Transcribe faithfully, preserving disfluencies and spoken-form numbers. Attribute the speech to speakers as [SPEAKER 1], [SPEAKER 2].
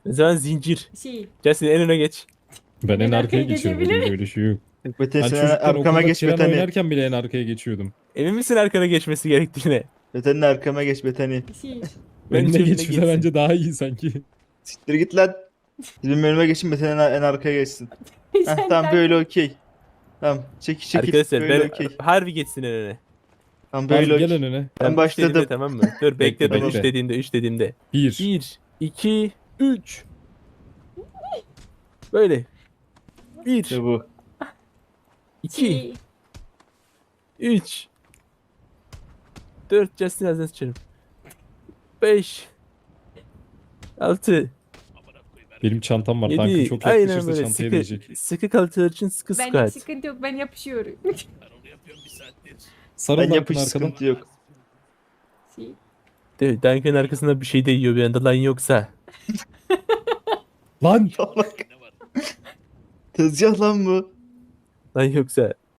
[SPEAKER 1] O zaman zincir.
[SPEAKER 2] Şey.
[SPEAKER 1] Justin en öne geç.
[SPEAKER 3] Ben en
[SPEAKER 2] En arkaya
[SPEAKER 3] arkaya geçiyorum.
[SPEAKER 2] geçebilir.
[SPEAKER 3] Öyle, öyle şey yok.
[SPEAKER 4] Betani
[SPEAKER 3] Ben
[SPEAKER 4] sen
[SPEAKER 3] çocukken
[SPEAKER 4] arkama
[SPEAKER 3] okulda
[SPEAKER 4] geç
[SPEAKER 3] tren
[SPEAKER 4] Betani.
[SPEAKER 3] oynarken bile en arkaya geçiyordum.
[SPEAKER 1] Emin misin arkana geçmesi gerektiğine?
[SPEAKER 4] Betani arkama geç Betani.
[SPEAKER 2] Şey.
[SPEAKER 1] Bence
[SPEAKER 3] Önüne
[SPEAKER 1] önüne
[SPEAKER 3] geçmese
[SPEAKER 1] geçsin.
[SPEAKER 3] bence daha iyi sanki.
[SPEAKER 4] Siktir git lan. Bizim önüme geçin Betani en, en arkaya geçsin. Heh,
[SPEAKER 2] Sen
[SPEAKER 4] tamam
[SPEAKER 2] de-
[SPEAKER 4] böyle okey. Tamam çekil çekil.
[SPEAKER 1] Arkadaşlar
[SPEAKER 4] böyle
[SPEAKER 1] ben
[SPEAKER 4] okey.
[SPEAKER 1] harbi geçsin en öne.
[SPEAKER 4] Tamam
[SPEAKER 3] Harbi
[SPEAKER 4] böyle
[SPEAKER 3] gel
[SPEAKER 4] okey.
[SPEAKER 3] önüne.
[SPEAKER 4] Ben
[SPEAKER 1] üç
[SPEAKER 4] başladım.
[SPEAKER 1] dediğimde, tamam mı? Dur bekle
[SPEAKER 3] Bekle,
[SPEAKER 1] ben
[SPEAKER 4] bekle.
[SPEAKER 1] üç dediğimde üç dediğimde.
[SPEAKER 3] Bir.
[SPEAKER 1] bir, iki, üç. Böyle. bir,
[SPEAKER 4] İşte bu.
[SPEAKER 1] iki,
[SPEAKER 2] Şey.
[SPEAKER 1] üç. dört. Justin ağzına sıçarım. beş. altı.
[SPEAKER 3] Benim çantam var. Tankım
[SPEAKER 1] yedi.
[SPEAKER 3] çok
[SPEAKER 1] Aynen
[SPEAKER 3] yaklaşırsa
[SPEAKER 1] böyle
[SPEAKER 3] çantaya
[SPEAKER 1] sıkı,
[SPEAKER 3] değecek.
[SPEAKER 1] sıkı kalçalar için sıkı
[SPEAKER 2] Ben
[SPEAKER 1] squat.
[SPEAKER 2] sıkıntı yok, ben yapışıyorum.
[SPEAKER 3] Sarıl
[SPEAKER 4] Ben
[SPEAKER 3] Duncan
[SPEAKER 4] yapış
[SPEAKER 3] arkadan.
[SPEAKER 4] sıkıntı yok.
[SPEAKER 2] Şey.
[SPEAKER 1] Evet, Duncan arkasında bir şey değiyor bir anda lan yoksa.
[SPEAKER 3] Lan!
[SPEAKER 4] Salak. Tezgah lan bu.
[SPEAKER 1] Lan yoksa.